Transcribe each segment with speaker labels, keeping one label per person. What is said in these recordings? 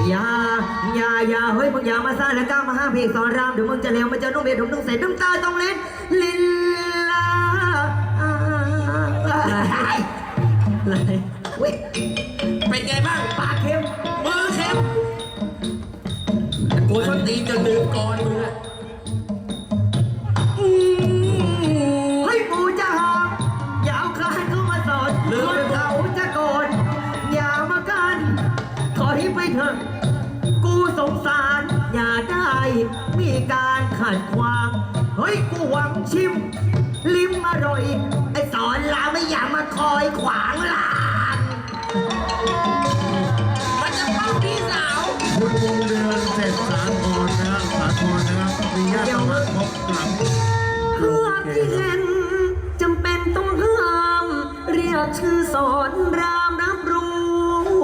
Speaker 1: อย่าเฮ้ยมึงอย่ามาซ่าแล้วก้าวมาห้าเพลงสอนรามเดี๋ยวมึงจะเลวมันจะนุ่มเบียดต้องเสร็จน้ำตาต้องเล่นลินลาอะไรเว้ย
Speaker 2: เป็นไงบ้าง
Speaker 1: ปากเค็ม
Speaker 2: มือเค็มกูชนตีนจนลืมก่อนมึงอะ
Speaker 1: เฮ้ยปูจะหอมอย่าเอาคลานเข้ามาสอนคนเขาจะโกรธอย่ามากันขอให้ไปเถอะกูสงสารอย่าได้มีการขัดขวางเฮ้ยกูหวังชิมลิ้มอร่อยไอ้สอนลาไม่อยากมาคอยขวางลาน
Speaker 2: มันจะเข้าพี่สาว
Speaker 3: คุณวงเดือนเสร็จสาธรนะครับสาธรนะครับมีญาติมาพบหลัง
Speaker 1: เพื่อที่เห็นจำเป็นต้องห้ามเรียกชื่อสอนรามรับรู้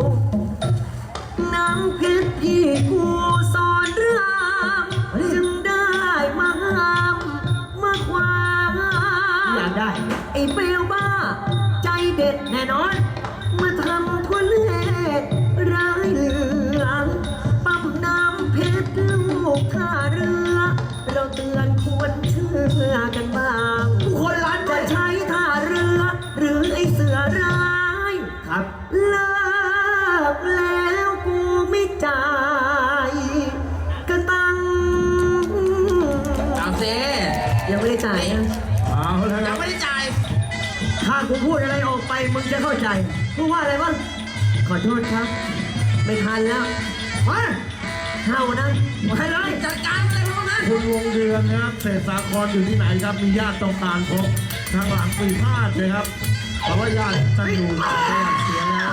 Speaker 1: น้ำเพชรที่กูสอนรามจึงได้มาห้ามมาขวางอยากได้ไอ้เปลวบ้าใจเด็ดแน่นอนมาทำทุเลศร้ายเหลือปั๊มน้ำเพชรลูกท่าเรือเราเตือนควรเชื่อกันบ้างคนร้านจะใช้ท่าเรือหรือไอ้เสือร้ายครับเลิกแล้วกูไม่จ่ายกระตัง
Speaker 2: เอาเซ
Speaker 1: ยังไม่ได้จ่ายนะ
Speaker 3: เอาแล้วค
Speaker 2: ยั
Speaker 3: รั
Speaker 2: ง
Speaker 3: บ
Speaker 2: ไม่ได้จ่าย
Speaker 1: ถ้ากูพูดอะไรออกไปมึงจะเข้าใจพูดว่าอะไรบ้างขอโทษครับไม่ทันแล้วมาเท่านั้นให้เลย
Speaker 2: จัดการอะไรพวกนั้น
Speaker 3: คุณวงเดือนนะครับเศษสาครอยู่ที่ไหนครับมีญาติต้องการพบทางหลังปีพาดเลยครับเพราะว่าญาติจะอยู่เสียแล้ว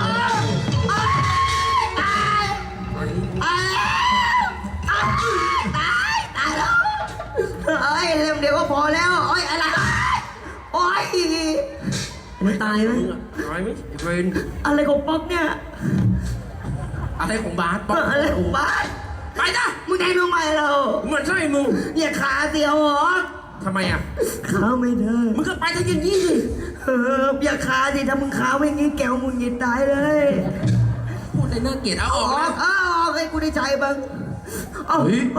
Speaker 1: เอ้ยเล่มเดียวก็พอแล้วโอ้ยอะไรโอ้ยมันตายไหม
Speaker 2: น้อยไหมเวน
Speaker 1: อะไรของป๊อกเนี่ย
Speaker 2: อะไรของบาสป๊อก
Speaker 1: อะไรของบ้าน
Speaker 2: ไปจ้ะ
Speaker 1: มึงแทงทำไมเรา
Speaker 2: เหมือนใช่มึง
Speaker 1: อย่าขาเสียวหรอ
Speaker 2: ทำไมอ่ะ
Speaker 1: ขาไม่ได้
Speaker 2: มึงก็ไปทั้งอย่างนี้สิ
Speaker 1: อย่าขาสิถ้ามึงขาไม่งี้แกวมึงยินตายเลย
Speaker 2: พูดในน่าเกลียดเอาออกนะ
Speaker 1: ออกให้กูได้ใจบ้างเอา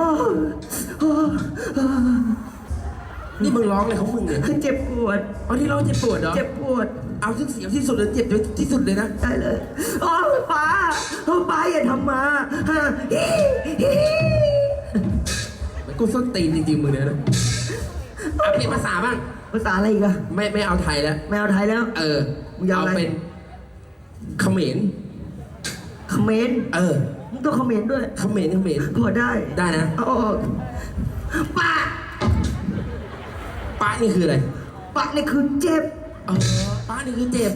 Speaker 2: นี่มึงร้องอะไรของมึงเนี่ย
Speaker 1: เจ็บปวด
Speaker 2: เอาที่ร้องเจ็บปวดเหรอ
Speaker 1: เจ็บปวด
Speaker 2: เอาที่เสียวที่สุดเลยเจ็บที่สุดเลยนะ
Speaker 1: ได้เลยป้าอย่าทำมาฮะ
Speaker 2: มันกูส้นตีนจริงๆมึงเนี่ยนะเอาเปลี่ยนภาษาบ้าง
Speaker 1: ภาษาอะไรอีกอะ
Speaker 2: ไม่เอาไทยแล้ว
Speaker 1: ไม่เอาไทยแล้ว มึงยาว
Speaker 2: เอา
Speaker 1: อะไร
Speaker 2: เป็นเขมร
Speaker 1: เขมรมึงต้องเขมรด้วย
Speaker 2: เขมร
Speaker 1: พอได้
Speaker 2: ได้นะ
Speaker 1: เอาป้า
Speaker 2: ป้านี่คืออะไร
Speaker 1: ป้านี่คือเจ็บ
Speaker 2: ป้านี่คือเจ็บ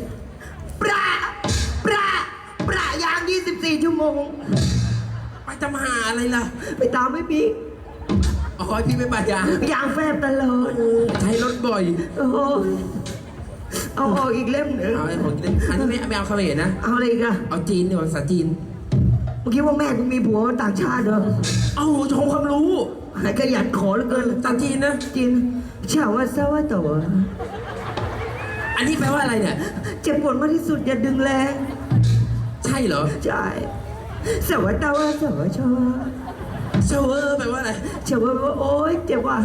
Speaker 1: ประยาง24 ชั่วโมง
Speaker 2: ไปทำหาอะไรล่ะ
Speaker 1: ไปตามไม่พี่
Speaker 2: อ๋อพี่ไม่ปัญญาย
Speaker 1: างแฟบตลอด
Speaker 2: ใช้รถบ่อย
Speaker 1: โอ้เอาออกอีกเล่มหนึ่ง
Speaker 2: เอาไอ้ของกินอันนี้ไม่เอาเขมรนะ
Speaker 1: เอาอะไรอีกัน
Speaker 2: เอาจีนดีกว่าภาษาจีน
Speaker 1: เมื่อกี้ว่าแม่กูมีผัวต่างชาติเหรอ
Speaker 2: เอาโชว์ความรู้
Speaker 1: ไหนขยันขอเหลือเกิน
Speaker 2: ภาษาจีนนะ
Speaker 1: จีนเฉาว่าเศร้าว่าตัว
Speaker 2: อันนี้แปลว่าอะไรเนี่ย
Speaker 1: เจ็บปวดมากที่สุดอย่าดึงแรง
Speaker 2: ใช่เหรอ
Speaker 1: ใช่เศร้าว่าเต้าว่าเศร้าว่าชอ
Speaker 2: เชเวอร์แปลว่าอะไร
Speaker 1: เฉาว่าโอ๊ยเจ็บว่ะ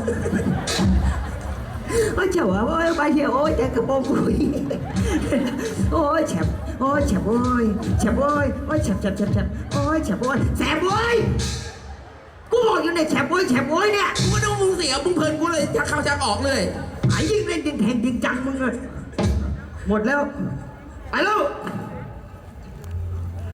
Speaker 1: โอ้ยเฉาว่าโอ๊ยไปเชียวโอ๊ยแต่กระโปรงกุยโอ๊ยแฉบโอ๊ยแฉบโอ๊ยแฉบโอ๊ยโอ๊ยแฉบโอ๊ยแฉบโอ๊ยแฉบโอ๊ยกูบอกอยู่ในแฉบโอ๊ยเนี่ย
Speaker 2: กูก็ดูมึงเสียมึงเพลินกูเลยชักเข้าชักออกเลย
Speaker 1: ไอ้ยิ่งเล่นยิ่งแทงยิ่งจังมึงอะหมดแล้ว ไปแล้ว